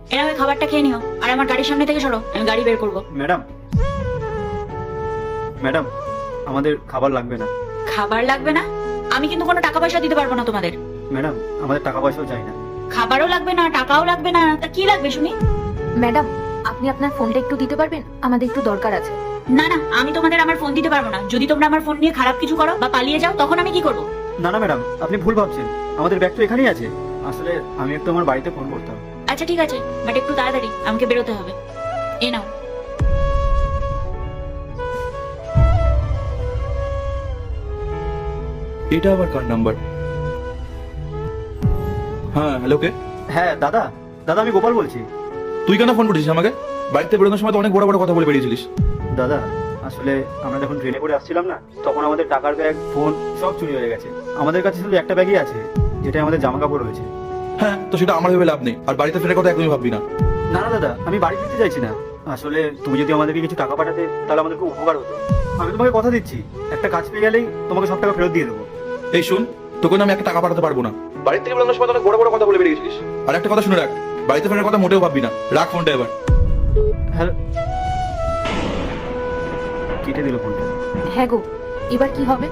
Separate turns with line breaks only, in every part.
এরা ওই খাবারটা খেয়ে নিও, আর আমার গাড়ির সামনে থেকে সরো, আমি গাড়ি বের করবো।
ম্যাডাম ম্যাডাম আমাদের খাবার লাগবে না।
খাবার লাগবে না? আমি কিন্তু কোনো টাকা পয়সা দিতে পারবো না তোমাদের।
ম্যাডাম আমাদের টাকা পয়সাও চাই না।
খাবারও লাগবে না, টাকাও লাগবে না, তা কি লাগবে শুনি?
ম্যাডাম, আপনি আপনার ফোনটা একটু দিতে পারবেন? আমাদের একটু দরকার আছে।
না না, আমি তোমাদের আমার ফোন দিতে পারবো না। যদি তোমরা আমার ফোন নিয়ে খারাপ কিছু করো বা পালিয়ে যাও, তখন আমি কি করবো?
না না ম্যাডাম, আপনি ভুল ভাবছেন, আমাদের ব্যাগ তো এখানেই আছে। আসলে আমি একটু আমার বাড়িতে ফোন করতাম।
আচ্ছা ঠিক আছে, বাট একটু তাড়াতাড়ি, আমাকে বেরোতে হবে। এ নাও।
এটা আবার কার নাম্বার? হ্যাঁ, হ্যালো, কে?
হ্যাঁ দাদা, দাদা আমি গোপাল বলছি।
তুই কেন ফোন করেছিস আমাকে? বাড়িতে বেরোনোর সময় তো অনেক বড় বড় কথা বলে বেরিয়েছিলিস।
দাদা আসলে আমরা যখন ট্রেনে করে আসছিলাম না, তখন আমাদের টাকার ব্যাগ, ফোন সব চুরি হয়ে গেছে। আমাদের কাছে শুধু একটা ব্যাগই আছে, যেটা আমাদের জামা কাপড় রয়েছে।
হ্যাঁ, তো সেটা আমার ভেবে লাভ নেই, আর বাড়িতে ফেরার কথা একদমই ভাববি না।
না না দাদা, আমি বাড়ি ফিরতে চাইছি না। আসলে তুমি যদি আমাদেরকে কিছু টাকা পাঠাতে, তাহলে আমাদের খুব উপকার হতো। আমি তোমাকে কথা দিচ্ছি, একটা কাজ পেয়ে গেলেই তোমাকে সব টাকা ফেরত দিয়ে দেবো।
এই শুন, তোকে না আমি একটা টাকা পাঠাতে পারবো না। বাড়ি থেকে বেরোনোর সময় তো অনেক বড় বড় কথা বলে বেরিয়েছিলিস। আর একটা কথা শুনে রাখ, বাড়িতে ফেরার কথা মোটেও ভাববি না। রাখ ফোনটা এবার।
হ্যালো, কেটে দিল ফোনটা।
হ্যাঁ গো, এবার কি হবে?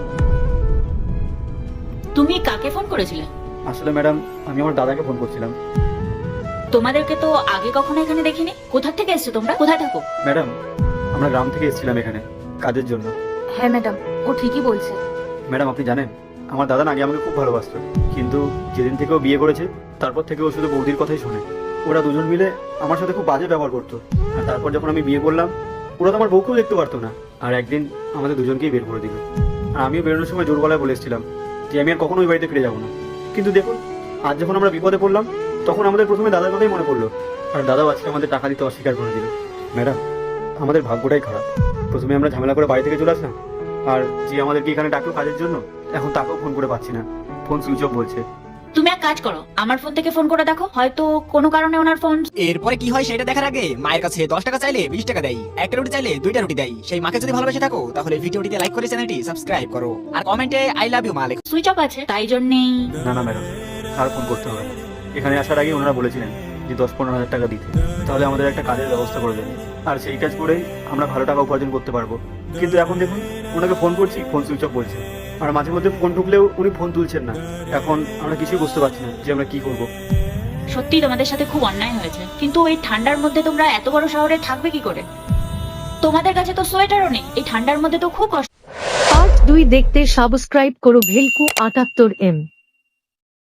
তুমি কাকে ফোন করেছিলে?
আসলে ম্যাডাম, আমি আমার দাদাকে ফোন করছিলাম।
তোমাদেরকে তো আগে কখনো এখানে দেখিনি। কোথা থেকে এসছো তোমরা? কোথায় থাকো?
ম্যাডাম আমরা গ্রাম থেকে এসেছিলাম এখানে কাজের জন্য।
হ্যাঁ ম্যাডাম, ও ঠিকই বলছে।
ম্যাডাম আপনি জানেন, আমার দাদা না আগে আমাকে খুব ভালোবাসতো, কিন্তু যেদিন থেকে ও বিয়ে করেছে, তারপর থেকে ও শুধু বৌদির কথাই শোনে। ওরা দুজন মিলে আমার সাথে খুব বাজে ব্যবহার করতো। আর তারপর যখন আমি বিয়ে করলাম, ওরা তো আমার বউকেও দেখতে পারতো না। আর একদিন আমাদের দুজনকেই বের করে দিল। আর আমিও বেরোনোর সময় জোর গলায় বলে এসেছিলাম যে আমি আর কখনো ওই বাড়িতে ফিরে যাবো না। কিন্তু দেখুন, আজ যখন আমরা বিপদে পড়লাম, তখন আমাদের প্রথমে দাদার কথাই মনে পড়লো। আর দাদাও আজকে আমাদের টাকা দিতে অস্বীকার করে দিল। ম্যাডাম আমাদের ভাগ্যটাই খারাপ। প্রথমে আমরা ঝামেলা করে বাড়ি থেকে চলে আসলাম, আর যে আমাদেরকে এখানে ডাকলো কাজের জন্য, এখন তাকেও ফোন করে পাচ্ছি না, ফোন সুইচ অফ বলছে।
তুমি এক কাজ করো, আমার ফোন থেকে ফোন করে দেখো, হয়তো কোনো কারণে ওনার ফোন।
এরপরে কি হয় সেটা দেখার আগে মায়ের কাছে 10 টাকা চাইলে 20 টাকা দেয়, একটা রুটি চাইলে 2টা রুটি দেয়। সেই মাকে যদি ভালোবেসে থাকো, তাহলে ভিডিওটিতে লাইক করে চ্যানেলটি সাবস্ক্রাইব করো, আর কমেন্টে আই লাভ ইউ মা লেখো।
সুইচ অফ আছে, তাই জন্যেই।
না না ম্যাডাম, আর ফোন করতে হবে না। এখানে আসার আগে ওনারা বলেছিলেন যে 10-15 হাজার টাকা দিতে, তাহলে আমাদের একটা কাজের ব্যবস্থা করে দেবেন, আর সেই কাজ করেই আমরা ভালো টাকা উপার্জন করতে পারবো। কিন্তু এখন দেখুন, ওনাকে ফোন করছি, ফোন সুইচ অফ বলছে। আর মাঝে মধ্যে ফোন ঢুকলেও উনি ফোন তুলছেন না। এখন আমরা কিছুই বুঝতে পারছি না যে আমরা কি করবো।
সত্যি তোমাদের সাথে খুব অন্যায় হয়েছে, কিন্তু এই ঠান্ডার মধ্যে তোমরা এত বড় শহরে থাকবে কি করে? তোমাদের কাছে তো সোয়েটারও নেই, এই ঠান্ডার মধ্যে তো খুব কষ্ট।
পার্ট 2 দেখতে সাবস্ক্রাইব করো ভেলকু 78M।